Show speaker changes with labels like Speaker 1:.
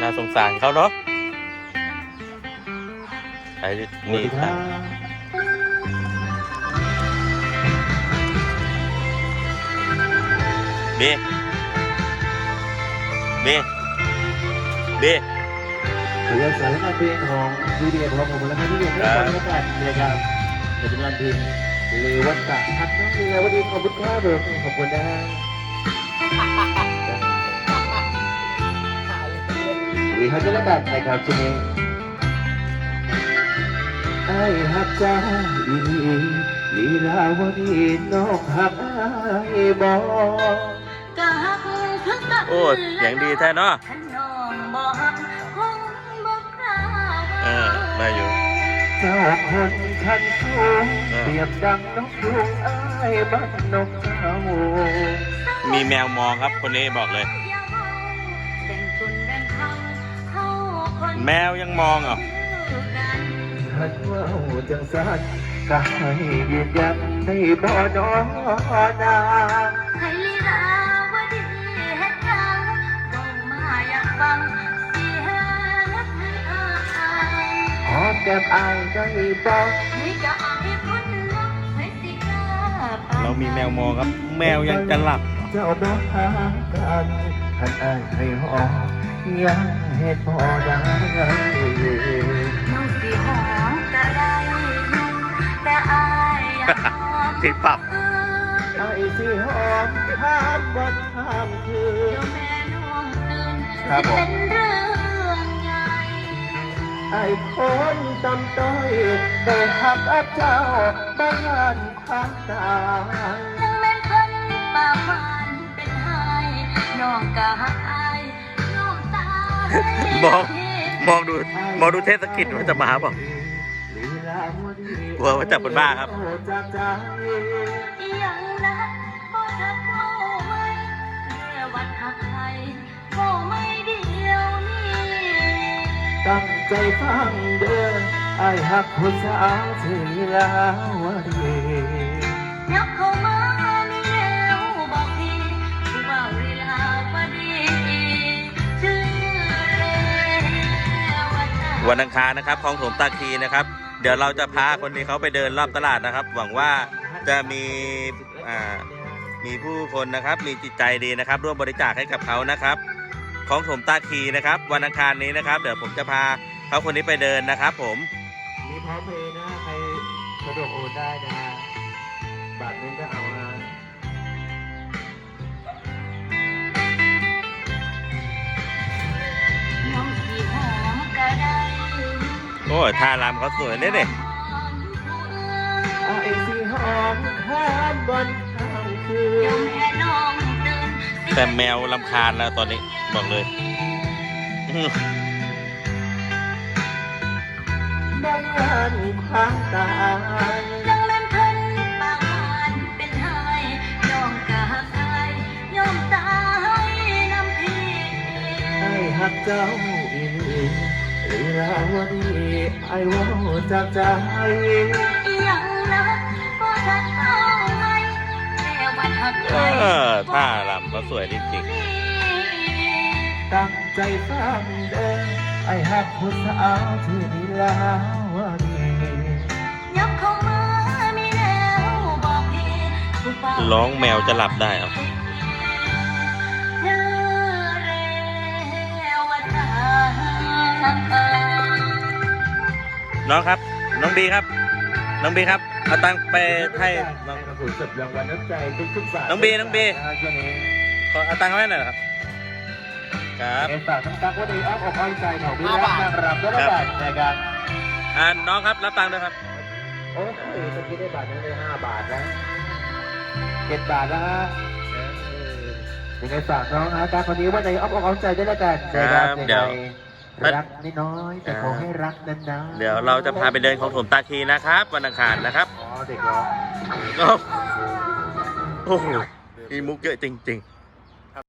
Speaker 1: น่าสงสารเขาเนาะไอ้นี่ตังเบเบเบ
Speaker 2: ถือว่าสารคดีของวีดีโอของผมแล้วก็ที่เรียนได้ตอนนี้กันนะครับเดี๋ยวเป็นวันทีหรือวันตักทักน้องเรียวันดีขอบคุณครับขอบคุณนะวีเขาจะเล่นแบบนะครับช่วงนี้ไอ้ฮักเจ้าอีลีลาวดีน้องฮักไอ้บอ
Speaker 1: โอ้เสียงดีแท้เนาะได้อยู่
Speaker 2: เจ้าคนคันสูงเปรียบดังนกยุงไอ้บ้านนกเจ้า
Speaker 1: มีแมวมองครับคนนี้บอกเลยแมวยังมองเหรอ
Speaker 2: ขันว่าจังสันก็ให้ยืนยันในบ่อนอนนา
Speaker 3: ให้ลีลาวดีเฮ็ดยังบ่มาอยากฟังเสียงให้อาย
Speaker 2: หอมแก้มอายได้บอก
Speaker 3: ให้ก็อายคนรักให้สิกล้าไป
Speaker 1: เรามีแมวมองครับแมวยังจะหลับ
Speaker 2: เจ้าบ่หากันขันอายให้หอมยังเฮ็ดบ่ได้
Speaker 3: น้องสิหอมก็ได้แต่อายอยากหอม
Speaker 1: ติดปรับ
Speaker 2: ไอ้สิหอมห้ามบ่ห้ามคือ
Speaker 3: เดี๋ยวแม่น้องตื่นจะเป็นเรื่องใหญ่
Speaker 2: ไอ้คนตำต้อยได้หักอับเจ้าบ้านความตาย
Speaker 3: ยังแม่นคนป่ามันเป็นไห้น้องก็หักอายน้องตาย
Speaker 1: มองดูเทศกิจว่าจะมาเปล่ากลัวว่าจับบนบ้าครับ
Speaker 3: ยังนะบ่ทักเอาไว้แค่วัดหักใครก็ไม่เดียวนี้
Speaker 2: ตั้งใจฟังเด้อไอ้หักผู้สาวที่ลาวดี
Speaker 3: ยับเข้ามามีแล้วบอกพี่ผู้บ่าวลีลาวดีชื่อเร
Speaker 1: วันอังคารนะครับคลองถมตาคีนะครับเดี๋ยวเราจะพาคนนี้เขาไปเดินรอบตลาดนะครับหวังว่าจะมีผู้คนนะครับมีจิตใจดีนะครับร่วมบริจาคให้กับเขานะครับคลองถมตาคีนะครับวันอังคารนี้นะครับเดี๋ยวผมจะพาเขาคนนี้ไปเดินนะครับผม
Speaker 2: มีพร้อมเพย์นะใครสะดวกโอนได้นะบาทนึงก็เอานะ
Speaker 3: น้องสีหอมก็ได้
Speaker 1: โอ้ยท่ารำเขาสวยเนี่ยเด็
Speaker 2: ไอ้สีหอมข้ามบนข้ามคืน
Speaker 1: แต่แมวรำคาญแล้วตอนนี้บอกเลย
Speaker 2: บ้านความตาย
Speaker 3: ยังเล่นเพิ่นปากหวานเป็นไห้น้องกะหักอายยอมตายน้ำพี่
Speaker 2: ไอ้หักเจ้าอีลีลาวดีไอ้ว่าจากใจ
Speaker 3: ยังนะก็ทักเอาไว้แค่วันหักใคร
Speaker 1: ท่ารำเขาสวยจริง
Speaker 2: ๆตั้งใจฟังเด้อไอ้หักผู้สาวที่ลีลาวดี
Speaker 3: ยับเข้ามามีแล้วบอกพี่
Speaker 1: ร้องแมวจะหลับได้เอาน้องครับน้องบีครับน้องบีครับเอาตังค์ไปให้น้อง
Speaker 2: ผู้สุดรางวัลน้ำใจทุกๆบาท
Speaker 1: น้องบีขอเอาตังค์ให้หน่อยครับครับ
Speaker 2: ฝากทั้งตั๊กว่าดีอ้อมอกอ้อมใจของพี่รักนางรำด้วยบาทนะครับ
Speaker 1: น้องครับรับตังค์ด้วยครับ
Speaker 2: โอ้ยตะกี้ได้บาทนึงได้5 บาทแล้ว7 บาทแล้วฮะยังไงฝากน้องนะการคนนี้ว่าในอ้อมอกอ้อมใจด้วยแล้วกัน
Speaker 1: ครับเดี๋ยว
Speaker 2: รักน้อยแต่ขอให้รักนาน
Speaker 1: ๆเดี๋ยวเราจะพาไปเดินของถมตาคีนะครับวันอังคารนะครับ
Speaker 2: อ๋อเด็กเหรอ
Speaker 1: โอ้โหมีมุกเยอะจริงๆ